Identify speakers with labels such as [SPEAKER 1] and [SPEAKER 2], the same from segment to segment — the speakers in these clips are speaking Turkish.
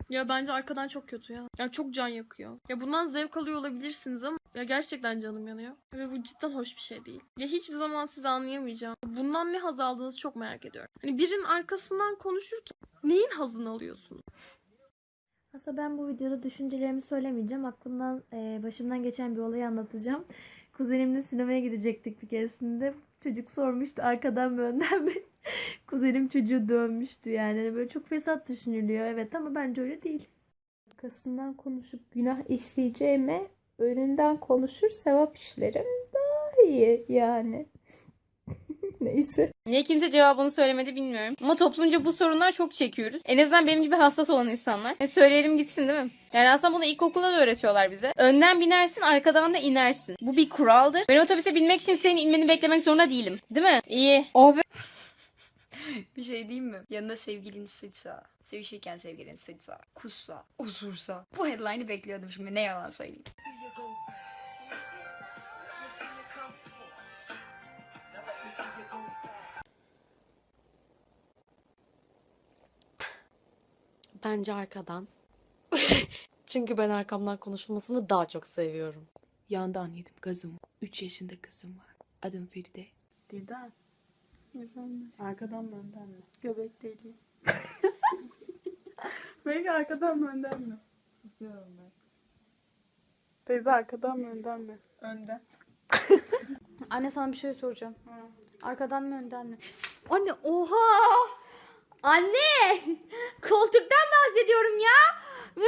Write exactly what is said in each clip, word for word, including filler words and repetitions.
[SPEAKER 1] Ya bence arkadan çok kötü ya. Ya çok can yakıyor. Ya bundan zevk alıyor olabilirsiniz ama ya gerçekten canım yanıyor. Ve bu cidden hoş bir şey değil. Ya hiçbir zaman sizi anlayamayacağım. Bundan ne haz aldığınızı çok merak ediyorum. Hani birinin arkasından konuşurken neyin hazını alıyorsunuz?
[SPEAKER 2] Aslında ben bu videoda düşüncelerimi söylemeyeceğim. Aklımdan, e, başımdan geçen bir olayı anlatacağım. Kuzenimle sinemaya gidecektik bir keresinde. Çocuk sormuştu arkadan mı önden mi? Kuzenim çocuğu dövmüştü yani. Hani böyle çok fesat düşünülüyor evet ama bence öyle değil.
[SPEAKER 3] Arkasından konuşup günah işleyeceğime önünden konuşur sevap işlerim daha iyi yani. Neyse.
[SPEAKER 4] Niye kimse cevabını söylemedi bilmiyorum. Ama toplumca bu sorunlar çok çekiyoruz. En azından benim gibi hassas olan insanlar. E söyleyelim gitsin değil mi? Yani aslında bunu ilkokulda da öğretiyorlar bize. Önden binersin, arkadan da inersin. Bu bir kuraldır. Ben otobüse binmek için senin inmeni beklemek zorunda değilim. Değil mi? İyi. Oh be.
[SPEAKER 5] Bir şey diyeyim mi? Yanında sevgilin sıçsa, sevişirken sevgilin sıçsa, kussa, osursa. Bu headline'ı bekliyordum şimdi, ne yalan söyleyeyim.
[SPEAKER 6] Bence arkadan. Çünkü ben arkamdan konuşulmasını daha çok seviyorum.
[SPEAKER 7] Yandan yedim gazım. üç yaşında kızım var. Adım Feride.
[SPEAKER 8] Dilden. Efendim? Arkadan mı önden mi? Göbek deliği. Belki arkadan mı önden mi? Susuyorum ben. Teyze arkadan mı önden mi? Önden.
[SPEAKER 9] Anne sana bir şey soracağım. Hı. Arkadan mı önden mi? Anne oha! Anne! Koltuktan bahsediyorum ya.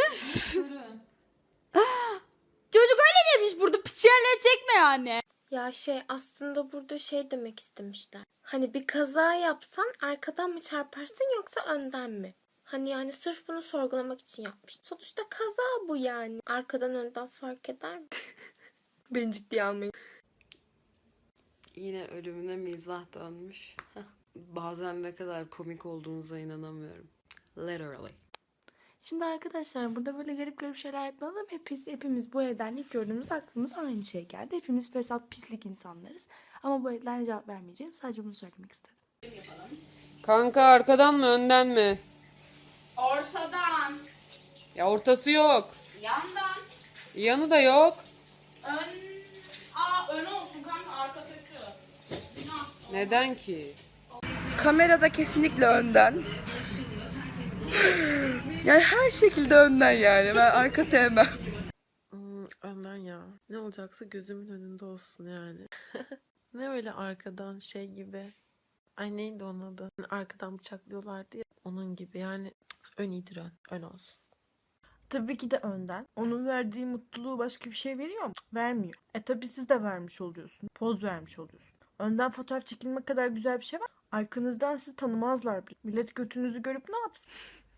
[SPEAKER 9] Çocuk öyle demiş, burada pis yerleri çekme yani.
[SPEAKER 10] Ya şey aslında burada şey demek istemişler. Hani bir kaza yapsan arkadan mı çarparsın yoksa önden mi? Hani yani sırf bunu sorgulamak için yapmış. Sonuçta kaza bu yani. Arkadan önden fark eder mi? Beni ciddiye almayın.
[SPEAKER 6] Yine ölümüne mizah dönmüş. Bazen ne kadar komik olduğunuza inanamıyorum. Literally.
[SPEAKER 11] Şimdi arkadaşlar burada böyle garip garip şeyler yapmayalım. Hepimiz, hepimiz bu evden ilk gördüğümüzde aklımıza aynı şey geldi. Hepimiz fesat pislik insanlarız. Ama bu evden cevap vermeyeceğim. Sadece bunu söylemek istedim.
[SPEAKER 12] Kanka arkadan mı önden mi?
[SPEAKER 4] Ortadan.
[SPEAKER 12] Ya ortası yok.
[SPEAKER 4] Yandan.
[SPEAKER 12] Yanı da yok.
[SPEAKER 4] Ön. Aa ön olsun kanka, arka kötü. Günah.
[SPEAKER 12] Neden ki?
[SPEAKER 3] Kamerada kesinlikle önden. Yani her şekilde önden yani. Ben arka sevmem.
[SPEAKER 13] Hmm, önden ya. Ne olacaksa gözümün önünde olsun yani. Ne öyle arkadan şey gibi. Ay neydi onun adı? Arkadan bıçaklıyorlardı ya. Onun gibi yani ön iyidir ön. Ön olsun.
[SPEAKER 11] Tabii ki de önden. Onun verdiği mutluluğu başka bir şey veriyor mu? Vermiyor. E tabii siz de vermiş oluyorsun. Poz vermiş oluyorsun. Önden fotoğraf çekilmek kadar güzel bir şey var. Arkanızdan sizi tanımazlar bile. Millet götünüzü görüp ne yapsın?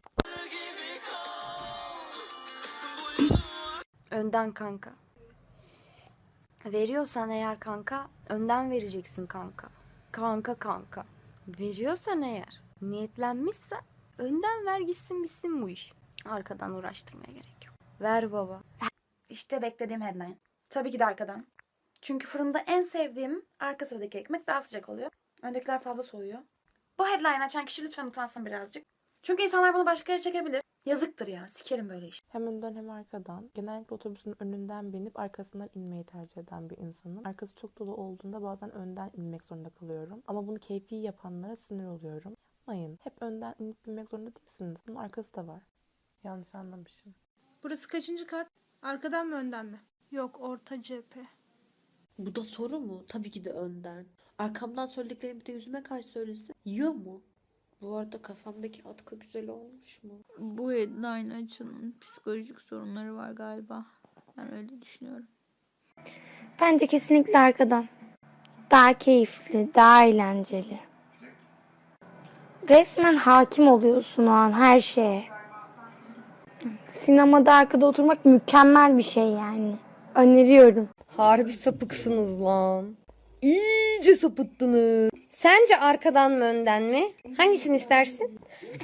[SPEAKER 9] Önden kanka. Veriyorsan eğer kanka, önden vereceksin kanka. Kanka kanka. Veriyorsan eğer, niyetlenmişsen önden ver gitsin bitsin bu iş. Arkadan uğraştırmaya gerek yok. Ver baba.
[SPEAKER 14] İşte beklediğim headline. Tabii ki de arkadan. Çünkü fırında en sevdiğim arka sıradaki ekmek daha sıcak oluyor. Öndekiler fazla soğuyor. Bu headline açan kişi lütfen utansın birazcık. Çünkü insanlar bunu başka yere çekebilir. Yazıktır ya. Sikerim böyle işte.
[SPEAKER 15] Hem önden hem arkadan. Genellikle otobüsün önünden binip arkasından inmeyi tercih eden bir insanım. Arkası çok dolu olduğunda bazen önden inmek zorunda kalıyorum. Ama bunu keyfi yapanlara sinir oluyorum. Yapmayın. Hep önden inip binmek zorunda değilsiniz. Bunun arkası da var. Yanlış anlamışım.
[SPEAKER 8] Burası kaçıncı kat? Arkadan mı önden mi? Yok, orta cephe.
[SPEAKER 6] Bu da soru mu? Tabii ki de önden. Arkamdan söylediklerimi bir de yüzüme karşı söylesin. Yiyor mu? Bu arada kafamdaki atkı güzel olmuş mu?
[SPEAKER 16] Bu headline açının psikolojik sorunları var galiba. Ben öyle düşünüyorum.
[SPEAKER 2] Bence kesinlikle arkadan. Daha keyifli, daha eğlenceli. Resmen hakim oluyorsun o an her şeye. Sinemada arkada oturmak mükemmel bir şey yani. Öneriyorum.
[SPEAKER 17] Harbi sapıksınız lan. İyice sapıttınız. Sence arkadan mı önden mi? Hangisini istersin?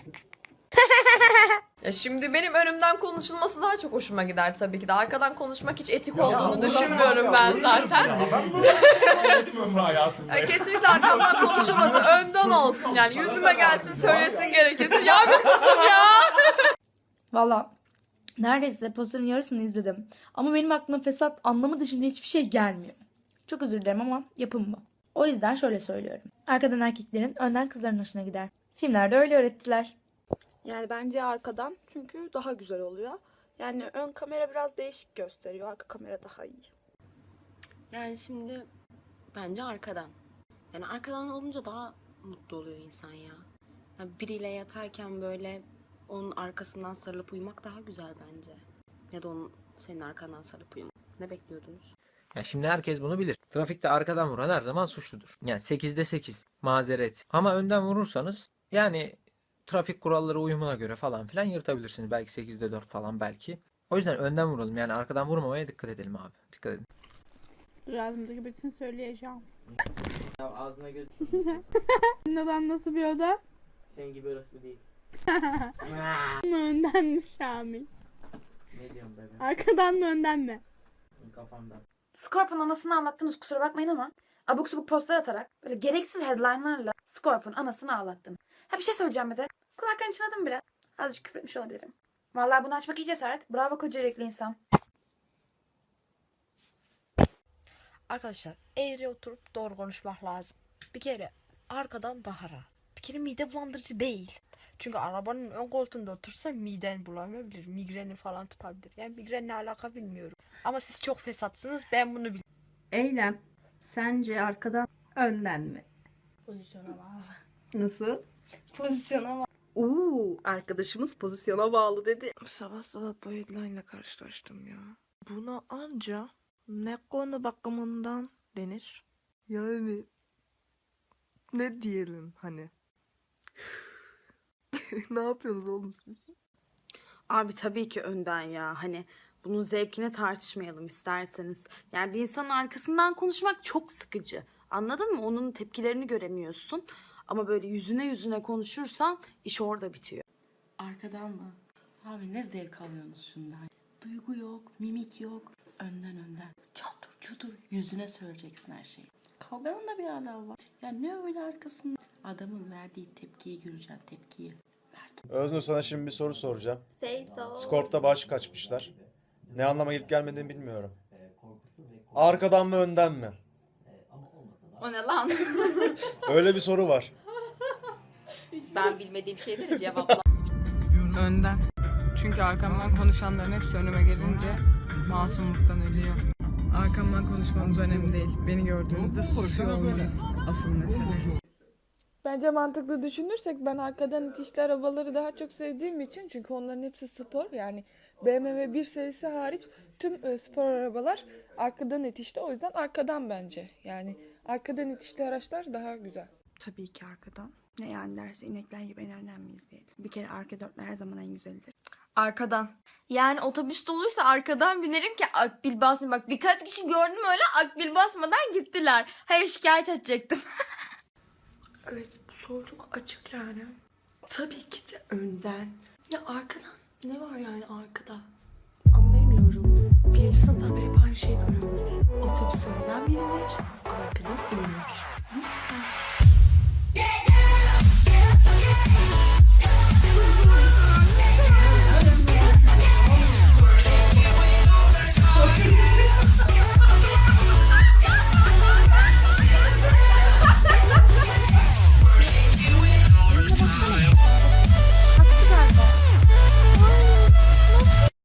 [SPEAKER 18] Ya şimdi benim önümden konuşulması daha çok hoşuma gider tabii ki de. Arkadan konuşmak hiç etik olduğunu düşünmüyorum ben zaten. Ya kesinlikle arkamdan konuşulması önden olsun yani. Yüzüme gelsin söylesin gerekirse. Ya bir susun ya.
[SPEAKER 19] Valla neredeyse posterin yarısını izledim. Ama benim aklıma fesat anlamı dışında hiçbir şey gelmiyor. Çok özür dilerim ama yapım bu. O yüzden şöyle söylüyorum. Arkadan erkeklerin, önden kızların hoşuna gider. Filmlerde öyle öğrettiler.
[SPEAKER 20] Yani bence arkadan, çünkü daha güzel oluyor. Yani ön kamera biraz değişik gösteriyor. Arka kamera daha iyi.
[SPEAKER 21] Yani şimdi bence arkadan. Yani arkadan olunca daha mutlu oluyor insan ya. Yani biriyle yatarken böyle onun arkasından sarılıp uyumak daha güzel bence. Ya da onun senin arkandan sarılıp uyumak. Ne bekliyordunuz?
[SPEAKER 22] Ya şimdi herkes bunu bilir. Trafikte arkadan vuran her zaman suçludur. Yani sekizde sekiz mazeret. Ama önden vurursanız yani trafik kuralları uyumuna göre falan filan yırtabilirsiniz. Belki sekizde dört falan belki. O yüzden önden vuralım. Yani arkadan vurmamaya dikkat edelim abi. Dikkat edin.
[SPEAKER 8] Ağzımdaki bütün söyleyeceğim.
[SPEAKER 23] Ya ağzına göz...
[SPEAKER 8] Neden nasıl bir oda?
[SPEAKER 23] Senin gibi orası değil.
[SPEAKER 8] mı önden mi Şamil?
[SPEAKER 23] Ne diyorsun bebeğim?
[SPEAKER 8] Arkadan mı önden mi?
[SPEAKER 23] Kafamdan.
[SPEAKER 14] Scorpion anasını anlattınız, kusura bakmayın ama abuk subuk postlar atarak böyle gereksiz headline'larla Scorpion anasını ağlattın. Ha bir şey söyleyeceğim bir de. Kulaklarını çınladım biraz. Azıcık küfür etmiş olabilirim. Vallahi bunu açmak iyi cesaret. Bravo koca yürekli insan.
[SPEAKER 24] Arkadaşlar eğri oturup doğru konuşmak lazım. Bir kere arkadan daha rahat. Bir kere mide bulandırıcı değil. Çünkü arabanın ön koltuğunda otursa miden bulamayabilir. Migreni falan tutabilir. Yani migrenle alaka bilmiyorum. Ama siz çok fesatsınız, ben bunu biliyorum.
[SPEAKER 25] Eylem, sence arkadan önden mi?
[SPEAKER 24] Pozisyona bağlı.
[SPEAKER 25] Nasıl?
[SPEAKER 24] Pozisyona bağlı.
[SPEAKER 25] Uuu, arkadaşımız pozisyona bağlı dedi.
[SPEAKER 20] Sabah sabah bu headline'la karşılaştım ya. Buna anca ne konu bakımından denir? Yani ne diyelim hani? Ne yapıyorsunuz oğlum siz?
[SPEAKER 26] Abi tabii ki önden ya. Hani bunun zevkine tartışmayalım isterseniz. Yani bir insanın arkasından konuşmak çok sıkıcı. Anladın mı? Onun tepkilerini göremiyorsun. Ama böyle yüzüne yüzüne konuşursan iş orada bitiyor.
[SPEAKER 27] Arkadan mı? Abi ne zevk alıyorsunuz şundan? Duygu yok, mimik yok. Önden önden. Çatur çutur yüzüne söyleyeceksin her şeyi. Kavganın da bir ala var. Ya ne öyle arkasında? Adamın verdiği tepkiyi göreceksin, tepkiyi.
[SPEAKER 28] Öznur, sana şimdi bir soru soracağım.
[SPEAKER 10] Say so.
[SPEAKER 28] Scorp'ta baş kaçmışlar. Ne anlama gelip gelmediğini bilmiyorum. Arkadan mı önden mi?
[SPEAKER 5] O ne lan?
[SPEAKER 28] Öyle bir soru var.
[SPEAKER 5] Ben bilmediğim şeyleri cevapla.
[SPEAKER 3] Önden. Çünkü arkamdan konuşanların hepsi önüme gelince masumluktan ölüyor. Arkamdan konuşmanız önemli değil. Beni gördüğünüzde susuyor olmanız asıl mesele.
[SPEAKER 8] Bence mantıklı düşünürsek ben arkadan itişli arabaları daha çok sevdiğim için, çünkü onların hepsi spor, yani B M W bir serisi hariç tüm e, spor arabalar arkadan itişli, o yüzden arkadan bence. Yani arkadan itişli araçlar daha güzel.
[SPEAKER 20] Tabii ki arkadan. Ne yani derse inekler gibi en önden mi izleyelim? Bir kere arka dörtler her zaman en güzelidir.
[SPEAKER 5] Arkadan. Yani otobüs doluysa arkadan binerim ki akbil basmayayım. Bak birkaç kişi gördüm öyle, akbil basmadan gittiler. Hayır, şikayet edecektim.
[SPEAKER 20] Evet, bu soru çok açık yani. Tabii ki de önden. Ya arkadan ne var yani arkada? Anlayamıyorum. Birinci sınıftan beri hep aynı şeyi görüyoruz. Otobüs önden binilir, arkadan inilir. Lütfen.